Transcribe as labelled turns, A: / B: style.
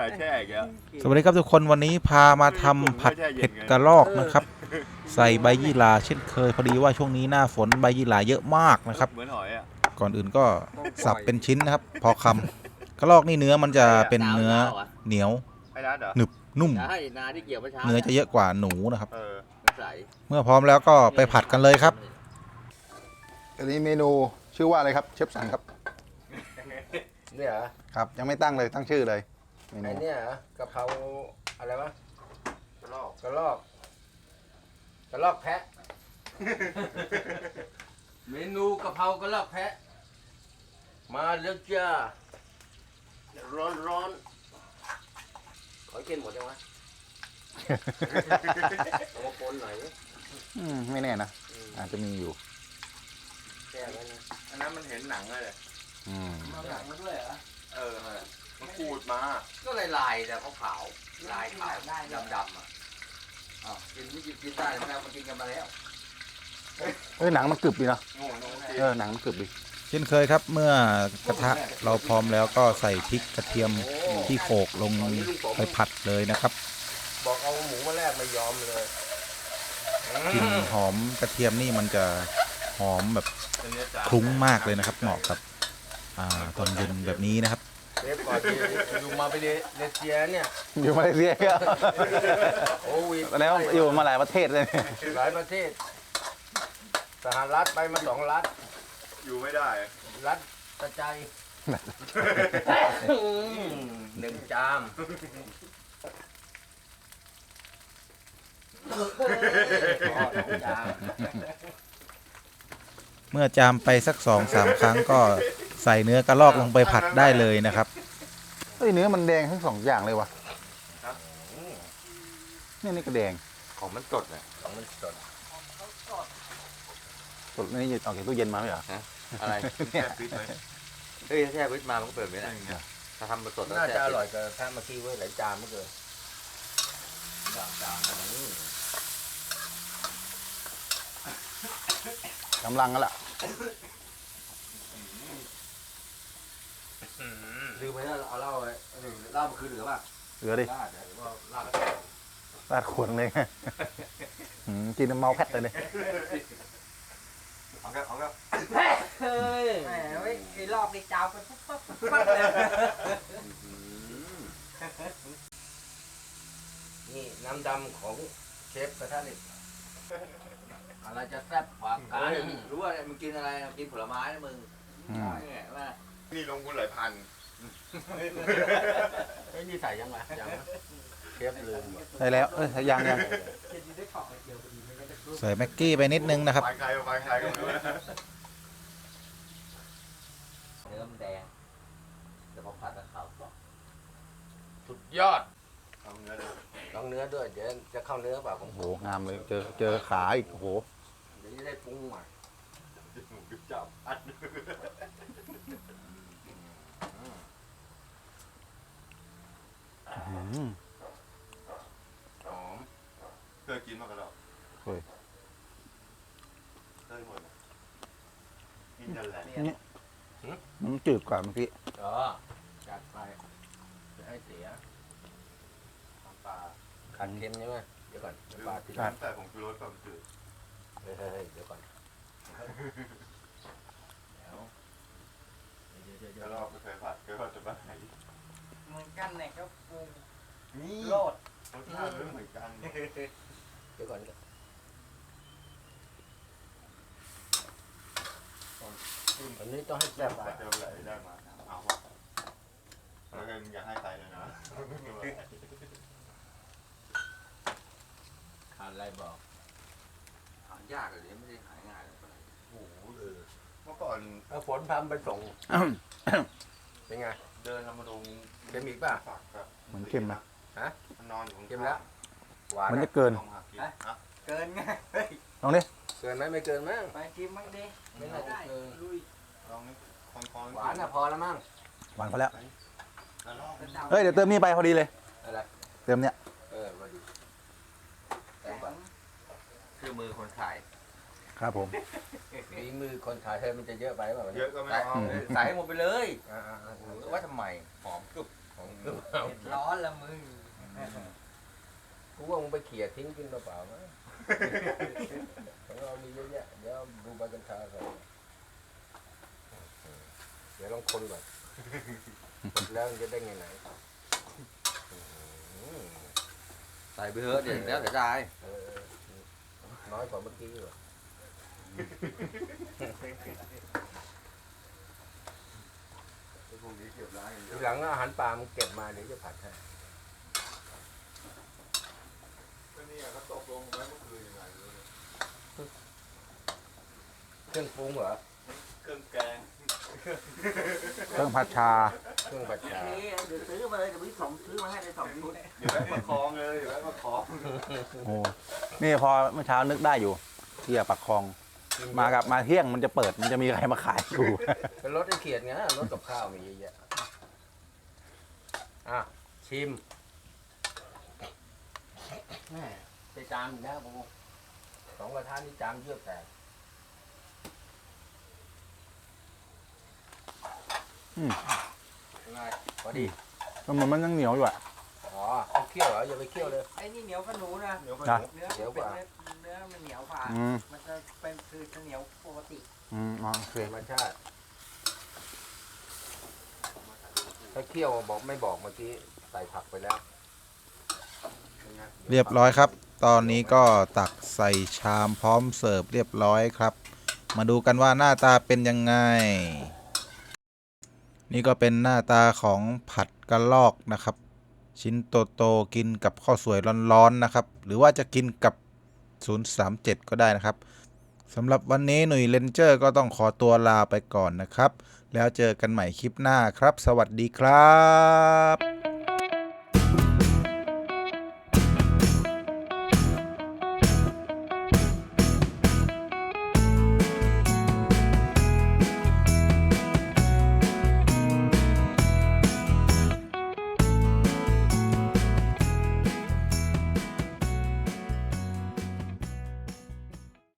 A: แช่แก
B: สวัสดีครับทุกคนวันนี้พามาทำผัดเผ็ดกระรอกนะครับใส่ใบยี่หร่าเช่นเคยพอดีว่าช่วงนี้หน้าฝนใบยี่หร่าเยอะมากนะครับ
A: เหมือนหอยอ่ะ
B: ก่อนอื่นก็สับเป็นชิ้นนะครับพอคำกระรอกนี่เนื้อมันจะเป็นเนื้อเหนียว
A: ไอ้รัดเหรอ
B: หนึบนุ่ม
C: ใช่นาที่เกี่ยวเมื่อเช้า
B: เนื้อจะเยอะกว่าหนูนะครับ
C: ใส
B: เมื่อพร้อมแล้วก็ไปผัดกันเลยครับ
D: อันนี้เมนูชื่อว่าอะไรครับเชฟสันครับ
C: เนี่ยเหรอ
D: ครับยังไม่ตั้งเลยตั้งชื่อเลยเมนู
C: ไอ้เนี่ยเหรอกะเพราอะไรวะ
A: กระรอก
C: กระลอกกระลอกแพะ เมนูกะเพรากระลอกแพะ มาแล้วจ้าร้อนร้อนขอกินหมดยังวะเอามาปนหน่อยดิ
D: ไม่แน่นะอาจจะมีอยู่
C: แช่ไว้นะ
A: อันนั้นมันเห็นหนังเลย
C: มาหลังมาด้วยเหรอ
A: มันขูดมา
C: ก็ลายแต่ขาวๆลายขาวดำๆอ่ะอ้าวกินไม่กินได้แล้วมากินกันมาแล้ว
D: หนังมันกรึบดีนะ
A: โง่โง่จริง
D: หนังมันกรึบดี
B: เช่นเคยครับเมื่อกระทะเราพร้อมแล้วก็ใส่พริกกระเทียมที่โขลกลงไปผัดเลยนะครับ
C: บอกเอาหมูมาแลกไม่ยอมเลย
B: กลิ่นหอมกระเทียมนี่มันจะหอมแบบ
A: เป็นเนื้อจาน
B: คลุ้งมากเลยนะครับเหมาะกับตอนเย็นแบบนี้นะครับ
C: เชฟก่อนที่อยู่มาไปเลเซียเนี่ย
D: อยู่มาเลเซียก็
C: โควิด
D: แล้วอยู่มาหลายประเทศเลย
C: หลายประเทศสหรัฐไปมา2 รัฐ
A: อยู่ไม่ได้
C: รัฐกระจาย1 จามจาม
B: เมื่อจามไปสัก2-3 ครั้งก็ใส่เนื้อกระรอกลงไปผัดได้เลยนะครับ
D: เนื้อมันแดงทั้งสองอย่างเลยวะนี่ก็แดง
A: ของมันสดเลย
C: มันสด
D: สดนี่ออกจากตู้เย็นมาไหมเหรอ
C: อะไร
A: แช่ฟิตไหม
C: เฮ้ยแช่วิทมามันก็เปิดไม่ได้ถ้าทำสดน่าจะอร่อยกว่าถ้าเมื่อกี้ไว้หลายจานเมื่อกี้จาน
D: กำลังกันละ
C: ลืมไปแล้วเอาเหล้าไว้เหล้ามันคือเหลือป่ะ
D: เหลือดิ
C: ลาดหรือว่าลาด
D: ราดขวดเลย กินเมาแพทเลย
A: เอาครับ
C: เฮ้ย
E: แหมไอ้รอบนี้จาวไปปุ๊บปั๊บปุ๊บปั๊บเลย
C: นี่น้ำดำของเชฟกระทะเหล็กอะไรจะแซ่บกว่ากันรู้ว่ามึงกินอะไรกินผลไม้นะมึงเนี่ยว่า
A: นี่ลงทุนหลายพัน
C: เฮ้ยนี่ใส่ยังไงยังเชฟลืม
D: ได้แล้วยัง
E: เดี๋ยวได้ของไอ้เดียวพอดีไม่ได้รู้
B: ใส่แม็กกี้ไปนิดนึงนะครับ
A: ไฟใครก็ไม่รู้นะ
C: เนื้อมันแดงแต่พอผัดกับข้าวกรอบสุดยอด
A: ทำเนื้อเลย
C: ลองเนื้อด้วยเดี๋ยวจะเข้าเนื้อเปล่าของ
D: โอ้
C: ผ
D: โห
C: ม
D: งามเลยเจอขาอีกโอ้โห
C: เดี๋ยวจะได้ปรุงอ่ะ
A: หมูกึบจับอัด
C: หอม
A: เคยกินมากระรอก
D: เคย
A: เคยหมดกินนั่นแหละ
D: มันจืดกว่าเมื่อกี้
C: จัดไปจะให้เสียน้ำปลาขัดเค็มใช่ไหมเดี๋ยวก่อนน้ำปลาที่
A: น้ำแต่ของชูรสกับจืด
C: เฮ้ยเดี๋ยวก่อนเดี๋ยว
A: กระรอกก็เคยผัดก็จะบ้าไหน
E: เหมือนกันเนี่ยก็ปรุง
A: นี่
E: โลด
A: รสชาติไม่เหมือนกัน
C: เดี๋ยวก่อน อันนี้ต้องให้แซ่บ
A: แต่เจอไหลได้มาเอาว่ะแล้วก็อยากให้ไตเลยนะ
C: ขาดอะไรบอกหายากเลยไม่ได้หายง่าย
A: โอ้โหเมื่อก่อน
C: เอาฝนพาไปส่ง เป็นไง
A: เดินธรรมดง
C: เค็มอีกป่ะ
A: ฝักครับ
D: มันเค็มนะ
A: มันนอนอยู่
C: เค็มแล้ว หวาน
D: มันจะเกิน
A: ต้องหักกินฮะ
E: เกินไงเฮ้ย
D: ลองดิ
C: เกินไหมไม่เกินมั้ง
E: ไปชิมบ้างดิ
C: ไม่น่าจะเกิน
E: ลุย
A: ลองนี่คอนๆ
C: หวานอ่ะพอแล้วมั้ง
D: หวานพอแล้ว
A: กระรอก
E: กระดาษ
D: เฮ้ยเดี๋ยวเติมนี่ไปพอดีเลย
C: อะไร
D: เติมเนี้ย
C: พอดีแต่ก่อนคือมือคนขาย
D: ครับผม
C: ฝีมือคนขายเธอมันจะเยอะไปเปล่า
A: เยอะก็ไม่เอา
C: ใส่ให้หมดไปเลยว่าทำไมหอมกรุบของเครื่องเอา
E: เผ็ดร้อนละมึง
C: กูว่ามึงไปเขี่ยทิ้งกินเปล่าๆมั้ยของเรามีเยอะแยะเดี๋ยวดูใบกัญชาก่อนเดี๋ยวลองคนก่อนแล้วมันจะได้ไงไหนใส่ไปเถอะเดี๋ยวแล้วเดี๋ยวได้น้อยกว่าเมื่อกี้เหรอ
A: พวกนี้เก็บร้านอย่างเดี
C: ที
A: ยว
C: หลังอาหารปลามึงเก็บมาเดี๋ยวจะผัดให้
A: ก็เนี่ยเขาตกลงไว้เมื่อคืนยังไงรู้เลย
C: เครื่องปรุงเหรอ
A: เครื่องแกง
D: เครื่องผัดชา
C: เครื่องผัดชา
E: เดี๋ยวซื้อมาเลยเดี๋ยวพี่สองซื้อมาให้ใน2 ชุด
A: อยู่แวะประคองเลยอยู่แวะประคอง
D: โอ้นี่พอเมื่อเช้านึกได้อยู่ที่ปักคลองมาเที่ยงมันจะเปิดมันจะมีอะไรมาขายอยู่
C: เป็นรถไอ้เขียดไงรถกับข้าวมีเยอะแยะอ่ะชิมแม่ไปจามอีกนะผม2 กระทะนี่จามเยือกแตก ง่ายพอดี
D: มันยังเหนียวอยู่อ่ะ
C: อ๋อต้องเคี่ยวเหรออย่าไปเคี่ยวเลย
E: ไอ้นี่เหนียวขนูนะ
A: เดี๋ยวไป
D: จ้ะ
E: เนื้อ
C: เหนียวกว่า
E: เนื้อมันเหนียวกว่า
D: อืม
E: มันจะเป็นคือจะเหนียวปกติ
D: โอเค
C: ธรรมชาติถ้าเคี่ยวบอกไม่บอกเมื่อกี้ใส่ผักไปแล้ว
B: เรียบร้อยครับ ตอนนี้ก็ตักใส่ชามพร้อมเสิร์ฟเรียบร้อยครับ มาดูกันว่าหน้าตาเป็นยังไง นี่ก็เป็นหน้าตาของผัดกระลอกนะครับ ชิ้นโตๆกินกับข้าวสวยร้อนๆนะครับ หรือว่าจะกินกับ 037 ก็ได้นะครับสำหรับวันนี้หนุ่ยเลนเจอร์ก็ต้องขอตัวลาไปก่อนนะครับ แล้วเจอกันใหม่คลิปหน้าครับ สวัสดีครับ